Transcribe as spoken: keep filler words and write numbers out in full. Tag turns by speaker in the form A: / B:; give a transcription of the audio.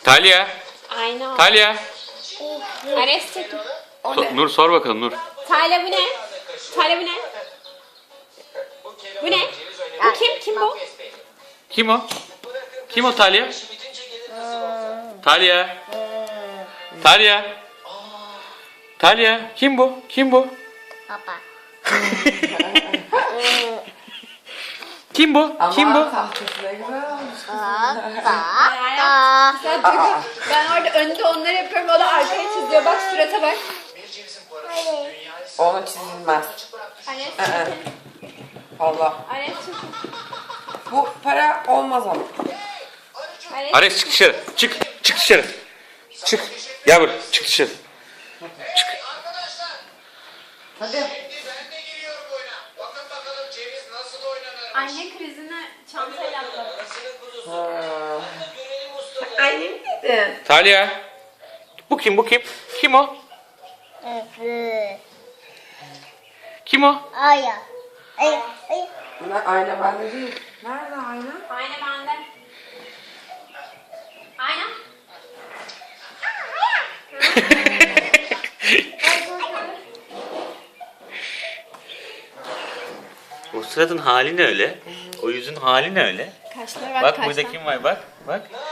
A: Talya.
B: Aynen.
A: Talya.
B: Ares çekil.
A: So- Nur sor bakalım Nur.
B: Talya bu ne? Talya bu ne? Bu ne? Bu kim? Kim bu?
A: Kim o? Kim o Talya? Talya. Talya. Talya. Kim bu? Kim bu?
C: Papa.
A: Kim bu? Kim bu?
D: Tahtası ne güzel olmuş.
C: Papa.
B: Sen Duygu, ben orada önde onları yapıyorum, o da arkaya çiziyor. Bak surata bak.
D: Onu çizilmez.
B: Ares
D: Ee.
B: çekil.
D: Allah.
B: Ares çekil.
D: Bu para olmaz ama.
B: Ares
A: Ares çık dışarı. Çık. Çık dışarı. Çık. Gel buraya. Çık dışarı.
D: Hadi.
E: Ben de giriyorum oyuna. Bakın bakalım ceviz nasıl oynanır.
B: Anne krizine çantayla atladı.
D: Annem dedi.
A: Talya. Bu kim? Bu kim? Kim o? Kim o?
C: Aya. Aya. Aya.
D: Bunlar ayna bende değil. Nerede ayna?
B: Ayna bende. Ayna.
A: O suratın hali ne öyle? O yüzün hali ne öyle?
B: Kaşlara bak,
A: Bak
B: kaşlar.
A: burada kim var bak. Bak.